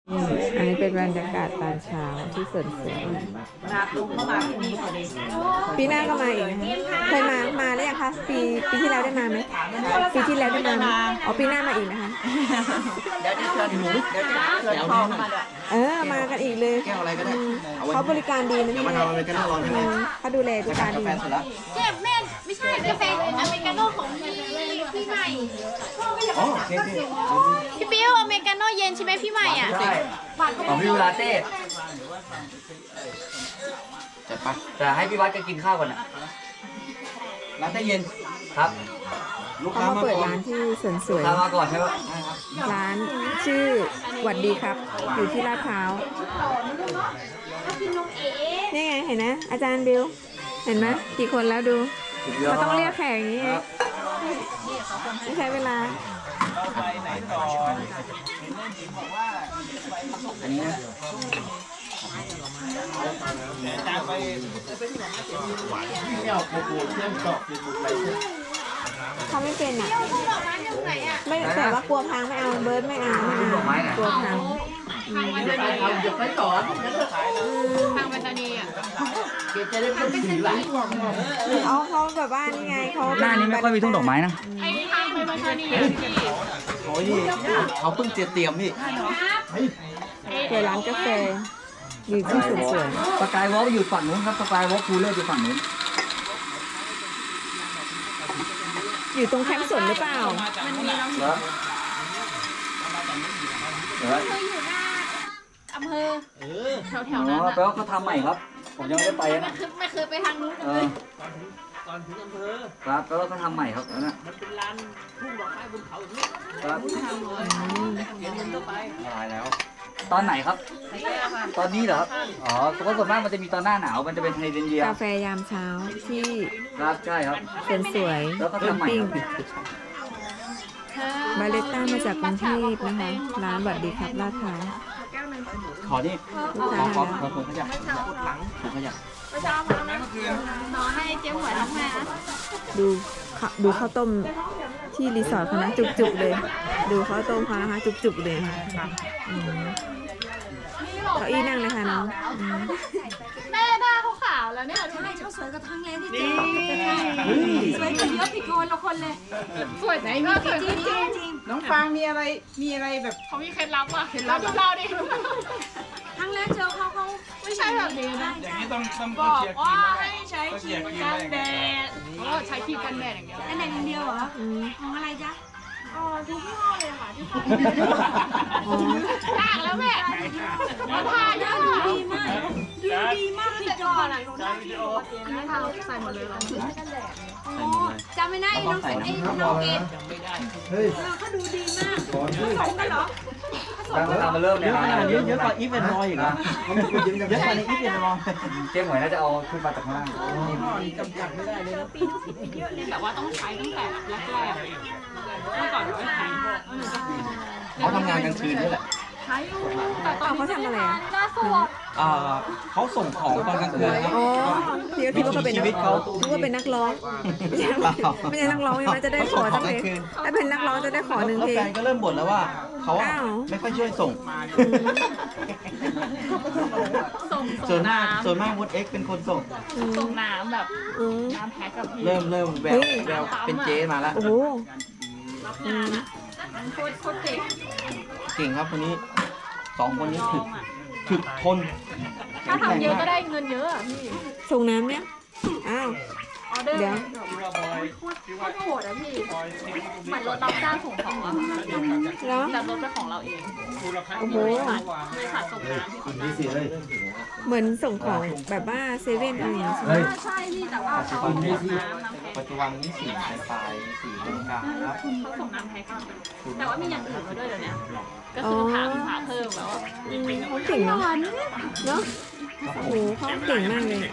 อันนี้เป็นบรรยากาศตอนเช้าที่สวนสวยปีหน้าก็มาอีกนะคะเคยมาได้ยังคะปีที่แล้วได้มาไหมปีที่แล้วได้มาไหมอ๋อปีหน้ามาอีกนะคะเดี๋ยวจะเชิญหนูเดี๋ยวจะเชิญพ่อมาด้วยมากันอีกเลยแก้วอะไรก็ได้เขาบริการดีนะพี่มาทำอเมริกาโน่ร้อนใช่ไหมเขาดูแลลูกค้าดีเจ็บแม่ไม่ใช่กาแฟอเมริกาโน่ของพี่ใหม่อ๋อโอเคพี่ปิ้วอเมริกาโน่เย็นใช่ไหมพี่ใหม่อ่ะใช่ของพี่ลาเต้จัดไปแต่ให้พี่วัดก็กินข้าวก่อนนะลาเต้เย็นครับลูกค้าเขามามาเปิดก่อนร้านที่สวนสวยลูกค้ามาก่อนใช่ไหมร้านชื่อหวัดดีครับอยู่ที่ลาดพร้าวนี่ไงเห็นนะอาจารย์บิวเห็นไหมกี่คนแล้วดูเขาต้องเรียกแขกอย่างนี้เองไม่ใช้เวลาอันนี้นะเขาไม่เป็นอ่ะไม่แต่ว่ากลัวพังไม่เอาเบิร์ดไม่เอากลัวพังเดี๋ยวไปสอนทางปัตตานีอ่ะเกจะได้เป็นสีไหลเขาแบบว่านี่ไงเขาหน้านี้ไม่ค่อยมีทุ่งดอกไม้นะไอ้ทางไปปัตตานีพี่โอ้ยเขาเพิ่งเตรียมพี่เปิดร้านกาแฟอยู่ที่สวนสวยสกายวอล์กอยู่ฝั่งนู้นครับสกายวอล์กคูลเลอร์อยู่ฝั่งนู้นอยู่ตรงแคมป์สวนหรือเปล่าเคยอยู่หน้าอำเภอแถวๆนั้นแปลว่าเขาทำใหม่ครับผมยังไม่ได้ไปนะไม่เคยไปทางนู้นเลยตอนถึงอำเภอครับแปลว่าเขาทำใหม่ครับนั่นนะมันเป็นลานทุ่งดอกไม้บนเขาอย่างนี้ครับทำเลยเขียนมันเข้าไปตายแล้วตอนไหนครับตอนนี้เหรอครับอ๋อเพราะส่วนมากมันจะมีตอนหน้าหนาวมันจะเป็นไฮเดรนเยียกาแฟยามเช้าที่ครับใช่ครับสวนสวยแล้วก็ทำใหม่บาเลต้ามาจากกรุงเทพนะคะร้านหวัดดีครับลาดพร้าวขอนี่ขอขยับขยับไม่ชอบนะนอนให้เจ๊หวยท้องแม่นะดูข้าวต้มที่รีสอร์ทเขานะจุกๆเลยดูข้าวต้มเขานะคะจุกๆเลยค่ะเก้าอี้นั่งเลยค่ะน้องแม่หน้าเขาขาวแล้วเนี่ยใช่เขาสวยกว่าทั้งเลยที่จริงสวยกว่าเยอะผิดคนละคนเลยสวยไหนมีจริงจริงน้องฟางมีอะไรแบบเขามีเคล็ดลับอ่ะเคล็ดลับเราดิทั้งแรกเจอเขาไม่ใช่แบบนี้นะอย่างนี้ต้องบอกเชียร์ว่าทีมให้ใช้ครีมกันแดดใช้ครีมกันแดดอย่างเดียวกันแดดอย่างเดียวเหรอของอะไรจ๊ะทุกยี่ห้อเลยค่ะที่ต่างแล้วแม่มาทาเยอะดีมากดีมากผิดก่อนอ่ะทาใส่หมดเลยเหรอจำไม่ได้น้องเอ็นเขาดูดีมากผสมกันเหรอตามมาเริ่มเนี่ยเยอะกว่าอีฟเวนรอยอีกนะเยอะกว่าในอีฟเวนรอยเจ๊หมวยน่าจะเอาขึ้นมาจากข้างล่างจำกัดไม่ได้เลยนะแต่ว่าต้องใช้ตั้งแต่แรกเมื่อก่อนไม่ใช้เขาทำงานกลางคืนนี่แหละใช้อยู่แต่ตอนเขาทำอะไรอ่ะน่าสวดเขาส่งของตอนกลางคืนครับพี่ก็คิดว่าเขาเป็นนักร้องคิดว่าเป็นนักร้องไม่ใช่นักร้องใช่ไหมจะได้ขอสักเพลงถ้าเป็นนักร้องจะได้ขอหนึ่งเพลงแฟนก็เริ่มบ่นแล้วว่าเขาไม่ค่อยช่วยส่งส่วนมากมดเอ็กเป็นคนส่งน้ำแบบน้ำแพ็คกับพี่เริ่มแววเป็นเจ๊มาแล้วโอ้โหโคตรเก่งครับคนนี้2คนนี้ถึกทนถ้าทำเยอะก็ได้เงินเยอะพี่ส่งน้ำเนี่ยอ้าวเดี๋ยวโคตรโหดอะพี่เหมือนรถรับจ้างส่งของอะแล้วแต่รถเป็นของเราเองโอ้โหบริษัทส่งน้ำที่เขาเหมือนส่งของแบบว่าเซเว่นอะไรอย่างเงี้ยใช่พี่แต่ว่าเขาส่งน้ำปัจจุบันนี้4ปลาย4เป็นกลางครับเขาส่งน้ำแพ็คแต่ว่ามีอย่างอื่นมาด้วยเดี๋ยวนี้ก็คือถามเพิ่มแล้วเขาเก่งเนาะเนาะโอ้โหเขาเก่งมากเลย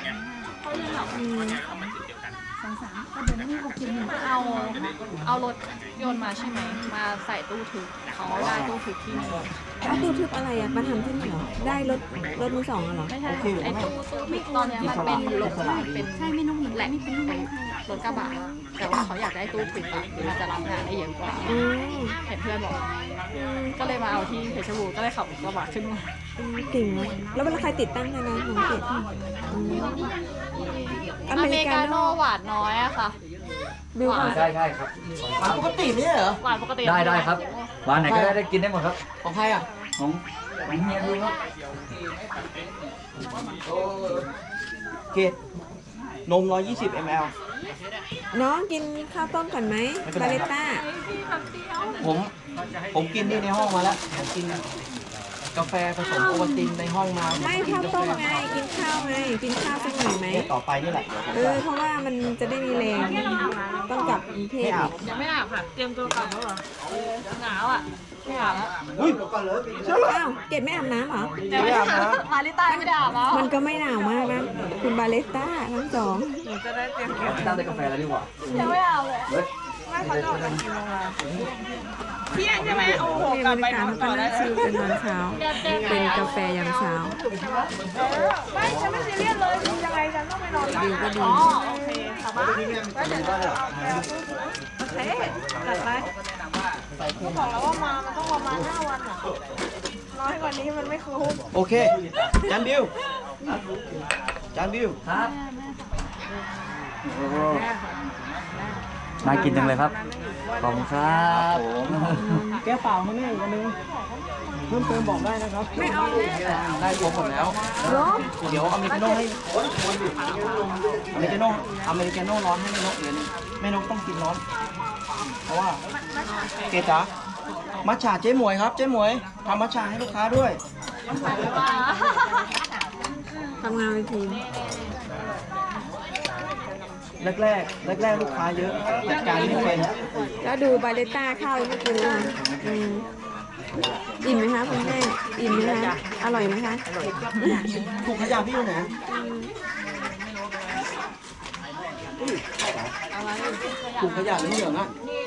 เอารถยนต์มาใช่ไหมมาใส่ตู้ทึบเขาได้ตู้ทึบที่นี่ตู้ทึบอะไรอ่ะมาทำที่นี่เหรอได้รถมือสองเหรอไม่ใช่ไอ้ตู้ทึบตอนนี้มันเป็นรถเป็นใช่ไม่น้องหญิงแหลกไม่เป็นลูกเรถกระบะแต่ว่าเขาอยากได้ตู้ปิดอะมันจะรับงานได้เยอะกว่าอืมเห็นเพื่อนบอกก็เลยมาเอาที่เพชรบูรณ์ก็เลยขับรถกระบะขึ้นมาเก่งเนาะแล้วเวลาใครติดตั้งให้นะน้องเกดอืมออเมเมริริกากาโน่โน่หวานน้อยอะค่ะบิวก่อนใช่ใช่ครับหวานปกติไม่ใช่เหรอหวานปกติได้ครับหวานไหนก็ได้กินได้หมดครับของใครอ่ะของเฮียดูครับเกตนม 120 ml น้องกินข้าวต้มก่อนไหมไม่เป็นไรบาครับเลต้าผมกินนี่ในห้องมาแล้วผมกินกาแฟผสมโอวัลตินในห้องมาไม่ข้าวต้มไงกินข้าวไงกินข้าวสักหน่อยไหมเนี่ยต่อไปนี่แหละเพราะว่ามันจะได้มีแรงต้องกลับกรุงเทไม่พอาบยังไม่อาบค่ะ เตรียมตัวกลับแล้วเหรอหนาวอ่ะไม่อาบแล้วอุ้ยอ้าวเกดไม่อาบน้ำเหรอแต่ไม่อาบน้ำมาลิต้าไม่ได้อาบแล้วมันก็ไม่หนาวมากนะคุณบาเลต้าทั้งสองตั้งแต่กาแฟแล้วดีกว่ายังไม่อาบเลยเฮ้ยเที่ยงใช่ไหมโอ้โหนี่กลับบรรไปยากาศนอนเขาต่ก็อได้นั่งชิลกันตอนเช้า เป็นกาแฟยามเช้าไม่ฉันไม่ซีเรียสเลยยังไงฉันต้องไปนอนดิวก็ดีอ๋อโอเคกลับบ้านโอเคจัดไปก็บอกแล้วว่ามามันต้องประมาณ5 วันอ่ะน้อยกว่านี้มันไม่คุ้มโอเคจานบิวจานบิวครับน่ากินจังเลยครับขอบคุณครับแก้วเปล่าให้แม่อีกอันนึงเพิ่มเติมบอกได้นะครับไม่เอาเลยได้ครบหมดแล้วเหรอเดี๋ยวอเมริกาโน่ให้อเมริกาโน่ร้อนให้แม่นกเดี๋ยวนี้แม่นกต้องกินร้อน เพราะว่าเกจ๋ามัทฉะเจ๊หมวยครับเจ๊หมวยทำมัทฉะให้ลูกค้าด้วยทำงานเป็นทีมแรกลูกค้าเยอะจัดการไม่เป็นแล้วดูบาเลต้าข้าวยังไม่กินเลยอืมอิ่มไหมคะคุณแม่อิ่มไหมคะอร่อยไหมคะถุงขยะพี่อยู่ไหนถุงขยะเหลืองๆอ่ะ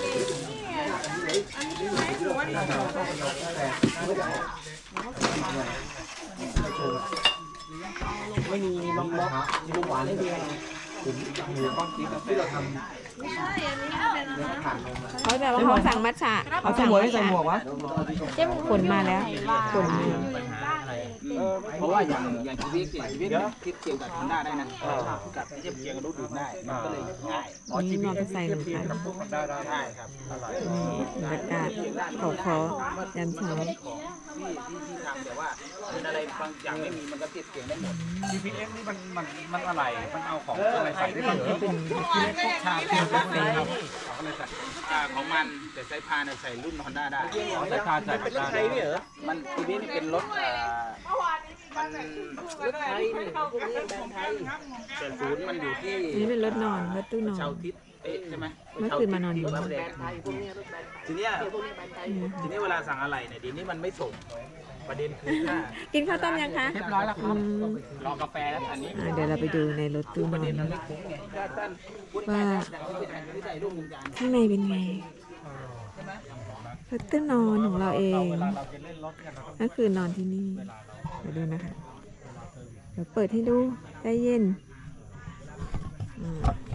ไม่มีนมล็อกนมหวานให้ดีเขาแต่ว่าเขาสั่งมัทฉะเอาเจ๊หมวยให้ใส่หมวกวะผลมาแล้วผลมาเพราะว่าอย่างชีวิตคิดเกี่ยวกับฮอนด้าได้นะกับเทียบเคียงกับรถดื่มได้มันก็เลยง่ายนี่มอเตอร์ไซค์หนึ่งคันได้ครับบรรยากาศเขาคอยามเช้าที่ทำแต่ว่าเป็นอะไรบางอย่างไม่มีมันก็เทียบเคียงได้หมด GPS นี่มันอะไร มันเอาของอะไรใส่ได้เหรอเป็นชาเป็นกาแฟของมันแต่สายพานใส่รุ่นฮอนด้าได้ใส่พานใส่เป็นรถไทยนี่เหรอมันชีวิตนี่เป็นรถมันรถไทยนี่แต่ศูนย์มันอยู่ที่นี่เป็นรถนอนรถตู้นอนชาวทิศใช่ไหมเมื่อคืนมานอนอยู่ทีเนี้ยเวลาสั่งอะไรเนี่ยเดี๋ยวนี้มันไม่ส่งประเด็นคือถ้ากินข้าวต้มยังคะเรียบร้อยแล้วครับอืมรอกาแฟแล้วอันนี้เดี๋ยวเราไปดูในรถตู้นอนมันไม่คุ้มไงถ้าท่านพุทธว่าที่ใส่รูปมุมจานข้างในเป็นไงรถตู้นอนของเราเองก็คือนอนที่นี่เดี๋ยวดูนะคะเดี๋ยวเปิดให้ดูใจเย็น